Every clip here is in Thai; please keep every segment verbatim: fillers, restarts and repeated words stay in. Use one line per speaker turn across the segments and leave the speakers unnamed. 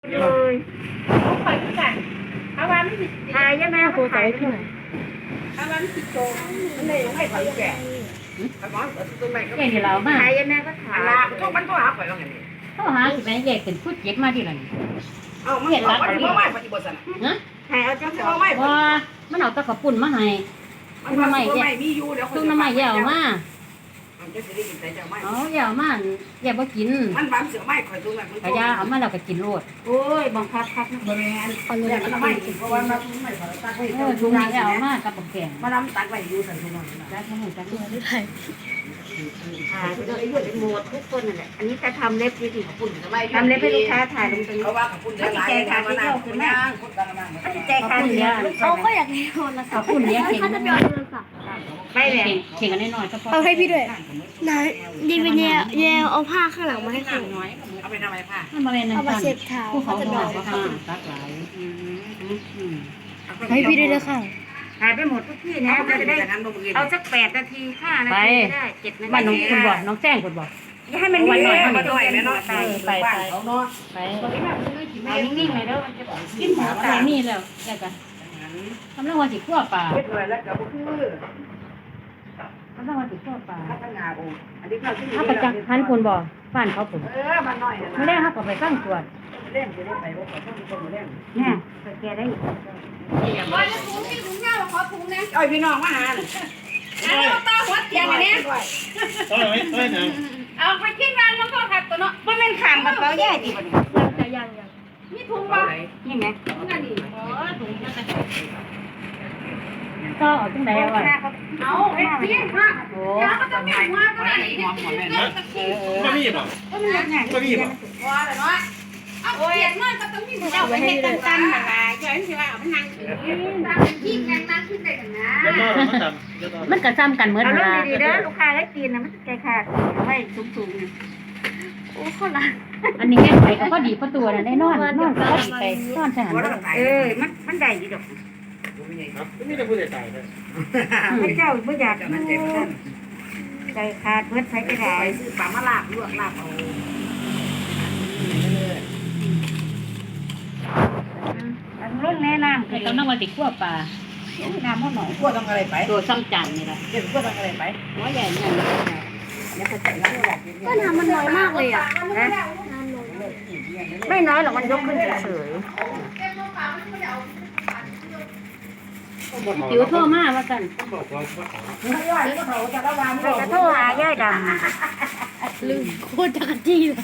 เลยเขาคอยกันเอาวันไม่ผิดทายใช่ไหมครูใส่ที่ไหนเอาวันผิดโตมันเลยไม่คอยแก่แก่เดี๋ยวเรามาทายใช่ไหมก็ถามละทุกมันก็หาไปแล้วไงเขาหาสิแม่ใหญ่เป็นผู้เจ็บมาที่ไหนเอาเห็นรักมันไม่ปฏิบัตินะนะทายเอาจังสิว่ามันเอาตะกระปุ่นมาให้ตุ้งน้ำใหม่แย่ตุ้งน้ำใหม่แย่ออกมาเอาอย่ามาอย่าบ่กินมันบางเสือไม่คอยตุ้งแบบมันอย่าเอามาเราก็กินโลดโอ้ยบังคับคับนะบริเวณเอาเลยมันไม่กินเพราะว่ามันไม่ขอตักให้เออตุ้งนี่เอามากับบักแกงมาล้ำตักไว้อยู่สันทุนนั่นตักให้ตักด้วยด้วยถ่ายไปด้วยไอ้เรื่องหมดทุกคนนั่นแหละอันนี้จะทำเล็บดีๆของคุณทำเล็บให้ลูกค้าถ่ายลงไปเพราะว่าของคุณเยอะหลายแจกขาที่เที่ยวคือแม่แจกขาที่เที่ยวเขาก็อยากให้โทรศัพท์คุณเลี้ยงเขาจะไปเอาโทรศัพท์ไปเลยเข่งกันน้อยๆเอาให้พี่ด้วยนะดีเป็นแย่แย่เอาผ้าข้างหลังมาให้คุณน้อยเอาไปทำอะไรผ้าเอามาเช็ดเท้าเขาจะบอกว่าตักหลายให้พี่ด้วยเลยค่ะหายไปหมดทุกที่นะจะได้เอาสักแปดนาทีห้านาทีได้เจ็ดนาทีบ้านน้องคุณบอกน้องแจ้งคุณบอกอย่าให้มันนิ่งๆมาด้วยนะไปไปไปไปเอานิ่งๆเลยเด้อมันจะกินหมูตานี่แล้วแกกันทำเรื่องวันสิขั้วปลาทำเรื่องวันสิขั้วปลาถ้าประจักษ์ท่านคุณบอกบ้านเขาผมไม่ได้เขาก็ไปตั้งตรวจเล่นจะได้ไปว่าเขาต้องมีคนมาเล่นเนี่ยแกได้ว่าจะถุงที่ถุงเน่าขอถุงนะเอ้ยพี่น้องมาหาเลยเอาตาหัวเตียงอันนี้เอาไว้ไว้นะเอาไปกินร้านแล้วก็ขัดตัวเนาะว่าเป็นขางกับเปล่าแย่ดีกว่านี้ยังยังยังนี่ถุงป่ะยังไงนั่นนี่อ๋อถุงยังไงก็เอาจังไดเอาไว้เอาเอ็ดเตี้ยค่ะโอ้ยก็ต้องมีหัวก็ได้หัวหัวแม่เนาะก็มีป่ะก็มีก็มีป่ะว่าแต่เนาะเอาเขียนมันก็ต้องมีหัวเอาไว้ให้ตั้งตั้งหน่อยเดี๋ยวฉันจะว่าเอามันนั่งถือตั้งขี้แกงนั่งขึ้นได้กันนะมันกระซ้ำกันเหมือนเวลาดีๆเด้อลูกค้าได้กินนะมันแก่ขาดไม่สูงๆโอ้คนละอันนี้แก้ไขก็พอดีพอตัวนะได้นอนนอนก็พอดีไปนอนใช่ไหมเออมันมันได้ดีดอกไม่ได้พูดใจเลยพระเจ้าไม่อยากใจขาดเมื่อใช้ก็ได้ซื้อปลามาลาบลวกลาบเอาเรื่องแนะนำคือต้องนั่งวันติดขั้วปลาน้ำมันหน่อยขั้วต้องอะไรไปตัวซ้ำจันนี่แหละเดี๋ยวขั้วต้องอะไรไปหัวใหญ่ใหญ่ก็น้ำมันน้อยมากเลยอ่ะนะไม่น้อยหรอกมันยกขึ้นเฉยจิ๋วโทรมาว่ากันจะโทรหาย่ายดำลืมโคตรจักรจี้เลย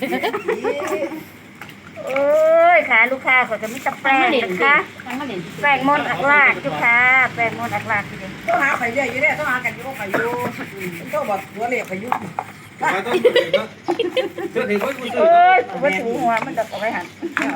โอ้ยค่ะลูกค้าเขาจะมีตะแปลงนะคะแปลงมนอักลากลูกค้าแปลงมนอักลากทีเดียวต้องหาไข่เยอะอยู่เนี่ยต้องหากันยุ่งไข่ยุ่งต้องบอกหัวเหลี่ยมไข่ยุ่งโอ้ยว่าถูหัวมันจะเอาไปหัน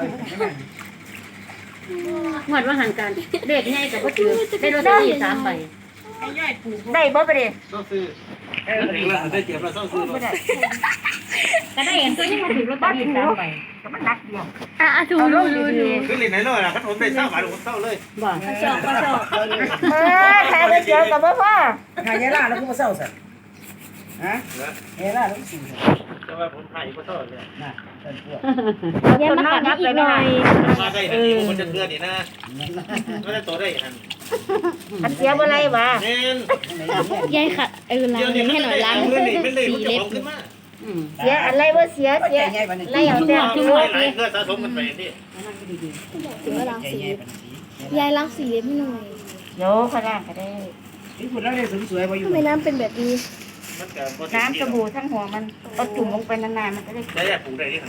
หมดว่าหันกันเด็กง่ายแต่ก็ถือได้รถที่สามใบได้บ่ไปดิต้องซื้อเออได้เก็บเราต้องซื้อก็ได้เห็นตัวยังมาถือรถที่สามใบก็มันนักเดียวอ่ะถูดูดูดูคือเล่นไหนเลยอ่ะพัดผมได้เศร้าบาทผมเศร้าเลยบ่ชอบก็ชอบเออใครไปเจอกับพ่อพ่อใครเยล่าแล้วกูมาเศร้าสิฮะเยล่าแล้วกูสิแต่ว่าผมถ่ายก็เศร้าเลยนะเยังมาขัดอีกหน่อยมาได้เออมันจะเดือดนี่นะไม่ได้ตัวได้หันอันเสียบอะไรวะยายขัดเออล้างให้หน่อยล้างสีเล็บเสียอะไรวะเสียเสียอะไรอย่างเงี้ยคือว่าเพื่อสะสมกันไปนี่ถึงว่าล้างสียายล้างสีเล็บให้หน่อยโย่ขนาดก็ได้ที่คุณแล้วได้สวยๆมาอยู่ทำไมน้ำเป็นแบบนี้น้ำสบู่ทั้งหัวมันเอาจุ่มลงไปนานๆมันก็ได้ได้อยากปลูกได้ที่ไหน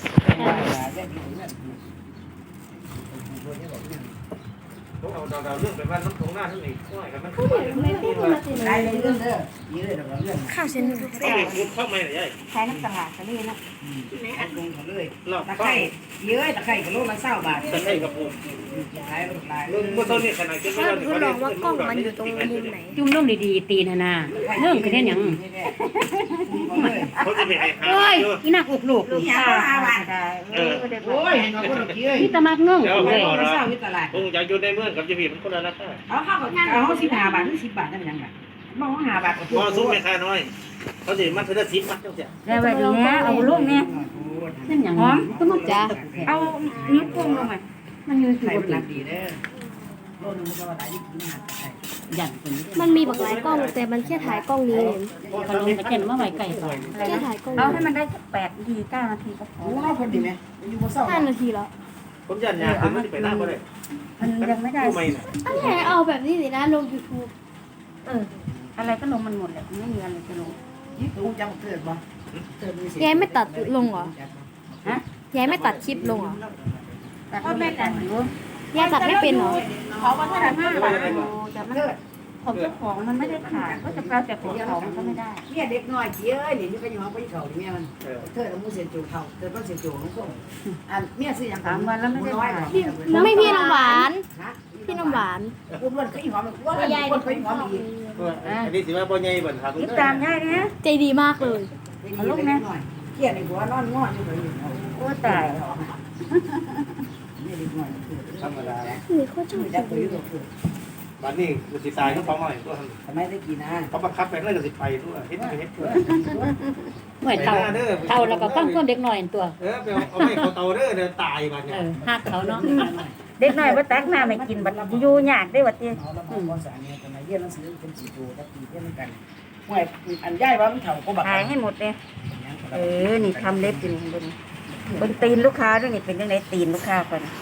เอาดาวเรื่องไปว่าน้ำตรงหน้าทั้งนี้ก็ให้มันได้เรื่องเด้อเยอะแต่เรื่องข้าวเส้นลูกแป้งเข้ามาเลยใช้น้ำตาลทะเลนะในอันลงเขาเลยตะไคร้เยอะตะไคร้กับโลละเศร้าบาทตะไคร้กับปูขายลงลายเรื่องเท่านี้ขนาดจะไม่ทดลองว่ากล้องมันอยู่ตรงมุมไหนจุ่มลงดีๆตีนานาเรื่องคือแค่ยังเขาจะไปให้หาเฮ้ยนี่นักอุกลูกลูกค้าโอ้ยนี่ตะมักนึ่งเลยคงอยากอยู่ในเมืองกับจีบีมันคนละราคาเอาข้าวเอาข้าวสิบห้าบาทหรือสิบบาทได้เป็นยังไงมองห้าบาทก็ซุ้มไม่ค่าน้อยเขาจะมัดเท่าสิบมัดเท่าเสียได้แบบนี้เอาลูกเนี่ยนั่นอย่าง
หอม
ก็มาจ้า
เอานิ้วโป้งลงมา
มันยืนอยู่
ใส่
บ
มัน
น
รักดีเด้อโลนึงมันก็ว่าหลายที่กินหาใส่
ยันคนนี้
มันมีบักหลายกล้องแต่มันแค่ถ่ายกล้องนี้เอง
เขาลงตะเกียนมาไว้ไก่ก่อน
แค่ถ่ายกล้อง
เอา
นี้
ให้มันได้สักแปดนาทีเก้านาทีก็พอ
โอ้คนดีไหมอยู่บนเสา
ห้านาทีแล้ว
ผมยันยาคือมันไปหน้าบ่ได้
มันยังไม่ได้
ทำไมน่ะ
อันนี้เอาแบบนี้สินะลง YouTube
เอออะไรก็ลงมันหมดแหละไม่มีอะไรจะลง
ยิ่งรู้จังเกิดบ่เกิดมีสิ
ยายไม่ตัดลงเหรอ
ฮะ
ยายไม่ตัดคลิปลงเหรอ
แต่พ่อแม่แต่งอยู่
ยายตัดไม่เป็นเหรอ
เขาว่าถ้าห้าบาทแต่มันของเจ้าของมันไม่ได้ขาดก็จะแปลแต่ของเขามันก็ไม่ได้
เนี่ยเด็กน้อยเกี้ยนี่นี่ก็ยังเอาไปเขาเมียมันเธอเอามือเสียจูเขาเธอต้องเสียจูน้องส้มอันเมียซื้ออย่างน้อย
ไม่พี่น้ำหวาน พี่น้ำหวาน
อุ้มมันก็อีหอมว่าคนก็อีหอมอีก
อันนี้สิว่าบ่ใหญ่บ่ครับ
ติดตามง่ายนะ
ใจดีมากเลย
เอาลูกนะเกี้ยในหัวนอนงอนอยู่เลย
โอ้ตาย
นี่เด็กน้อย
ธรรมดา
นี่เขาชอบ
จับตัวอยู่ตัวคือ
บัดนี้มันสิตายเขาฟ้องหน่อยตัว
ทำไมได้กินนะ
เขาบังคับไปเลยก็สิไปตัวเฮ็ดไปเฮ็ดตัว
เหมือนเท่าเท่าแล้วก็ฟังคนเด็กหน่อยตัว
เออไปเอาไม่เขาเตาเด้อเดี๋ยวตายบัด
เอ
เนี่ย
อหักเขาเนาะ
เด็กน้อยบ่ตักน้ำไม่กินบัดอยู่ยากได้บัดเตี้ย
เอาแล้วมาสารเนี่ยทำไมเยี่ยหนังสือเป็นสีตัวกับตีเยี่ยมกันห่วยอันย่ายว่ามันเถ่าก็บัก
ถ่ายให้หมดเลยเออนี่ทำเล็บอยู่นี่บนบนตีนลูกค้าด้วยนี่เป็นยังไงตีนลูกค้าก่อน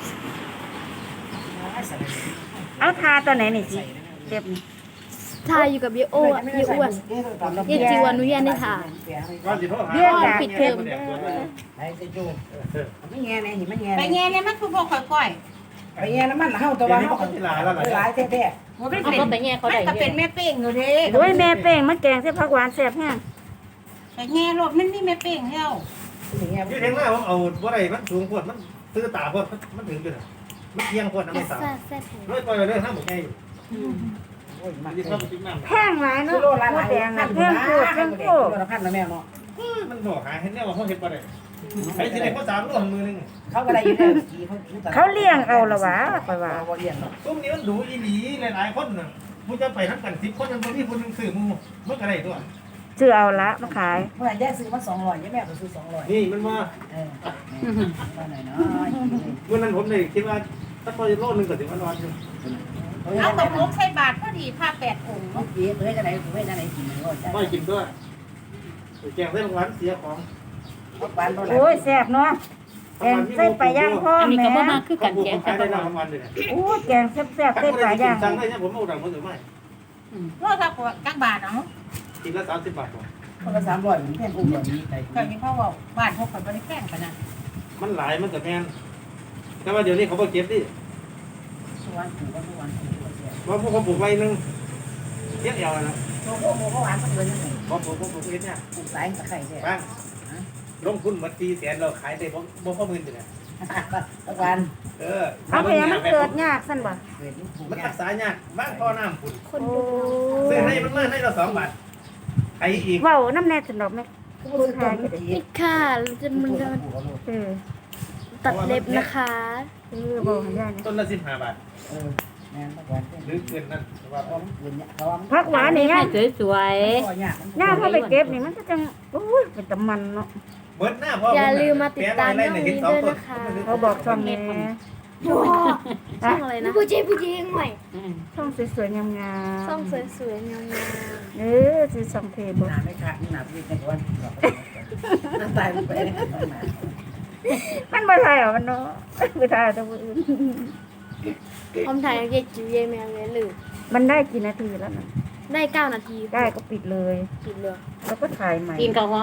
เอาทาตัวไหนนี่สิเจ็บนี่
ถ่ายอยู่กับยายโอ้อะยายอ้วนยายจิวอนุญาตให้ถ่าย
ว่าสิโทรหา
เรียกแบบ
ปิดเทอม
ไอ้เจ้าจูไม่แง่เนี่ยหิไม่แง่
ไปแง่เนี่ยมันคือพวกค่อย
ไปแง่น้ำมันเฮาตัวว่าเฮาหลายแท้
ๆมันเป็น
เอาก็ไปแง่เขาได้
ก็
เย
เป็น
อะ
แม่เป้งอยู่เด้โอ้ยแม่เป้งมันแกงเส้นผักหวานแซ่บแห้งไปแง่รถมันนี่แม่เป้งเฮา
ๆอย่างเงี้ย
ที่เห็นว่าผมเอาบ่ได้มันสูงโพดมันซื้อตาโพดมันถึงจุดน่ะมันเอียงโพดน้ำ
แซ่
ไม่ตา
บแซ่บ
ร้อยปล่อยไปเลยห้ามบ่ใหญ่
โอ้ยมัน
สิเข้าไปจิ้มน้ำ
แพงหลายเนาะ
โลละหลาย
แดงน่ะแพงโคตรแพงโคตร
โลละพันละแม่เนาะ
มันบอกหาเห็นแน่ว่าเขาเฮ็ดบ่ได้ไอ้สิได้เขาสามโลมือนึง
เขาก็ได้อยู่แล้วกี่เขา
เขาเลี้ยงเอาละวะไปว่า
บ่เลี้ยงเนาะ
ซุ่มนี้มันดูอีหลีหลายๆคนน่ะผู้จะไปทั้งกันสิบคนมันบ่มีคนนึงซื้อหมู่มันก็ได้ตัว
ซื้อเอาละมาขาย
เมื่อแยกซื้อมาสองร้อยแม่ก็ซื้อสองร้อย
นี่มันว่า
เออว่าหน่อยเนาะ
เมื่อนั้นผมเลยคิดว่าถ้าพอโลนึงก็สิมันร้อนอยู่
เอาตกลงใส่บาทพอดีผ้าแปดองค์
เมื่อกี้เพื่อจะไหนเพื่อจะไหนกินก็จะ
บ่กินด้วยแกงเส้นหวานเสียของ
หวานบ่หลาย
โอ้ยแซ่บเนาะแกงใส่ปลาย่างพ่อ
อันนี้
แม่
ก็บ่มากคือกัน
ผม
แกง
ขาย
แต่
ได้
บ่
ทั้งวันเลย
โอ้ยแกงแซ่บๆใส่ปลาย่าง
สั่งได้เนี่ยผมเอาดังคนอื่นไม่
โลถ้ากว่ากักบาทเนาะ
กินละสามสิบบาท
คนละสามร้อยมันแพงกุ้งแบบนี้ไป
ก็ยังเขาบอกบ้านพวกเขาบ่ได้แพงปานนั้น
มันหลายมันก็แพงแต่ว่าเดี๋ยวนี้เขาบ่เก็บดิ
หวานกุ้งก็หวานกุ้งก็เสีย
ว่าพวกเขาปลูกไว้นึงเทียบเอวนะ
โอ้โหหวานมันเลยยังไง
พอปลูกพวกปลูกเฮ็ดเนี่ย
กุ้งสายตะไคร้เนี่ย
บ้างลงทุนมาสี่แสนเราขายได้บ่บ่พอหมื่นเลย
ตะวัน
เออ
เอาไปยังมันเกิดยากซั่นบ่
เกิดนี่ปลูก
มัน
ยา
รั
ก
กษายากบ้างพ่อน้ำพุ่น
คน
โอ้
ดู
ซื้อให้มันมาให้เราสองบาทไอ้อีก
เว้าน้ำแน่สนอกแม่
ก็บ่ซื้อต้นมันที
นี่ค่ะเราจะมันจะ
เออ
ตัดเล็บนะคะ
เออบ่ให้ยายนะ
ต้นละสิบห้าบาท
เออแม่ตะวัน
หรือเกินนั่นว่า
เพราะมันเกินเนี่ยเพราะว่ามัน
ผักหวานนี่ยาย
สวย
ก็ยาก
ย่าพอไปเก็บนี่มันก็จังโอ้ยเป็นตะมันเนาะ
เบิดหน้าพ่อ
อย่าลืมมาติดตามน้องนี้ด้วยนะคะ
เขาบอกช่องนี้
ช่องอะไรนะผู้ชายผู้หญิงใหม่
ช่องสวยๆงาม
ช่องสวยๆงาม
ๆเออสิช่องเทบ่
หนาไม่ขาดหนาพี่ในวันน้ำตายไป
มันบ่ได้หรอมันเนาะบ่ได้แต่ว่าอื่น
ๆผมถ่ายกับยายจิ๋วยายแมวเลยหรือ
มันได้กี่นาทีแล้วน่ะ
ได้เก้านาที
ได้ก็ปิดเลย
ปิดเลย
แล้วก็ถ่ายใหม่
กินกับ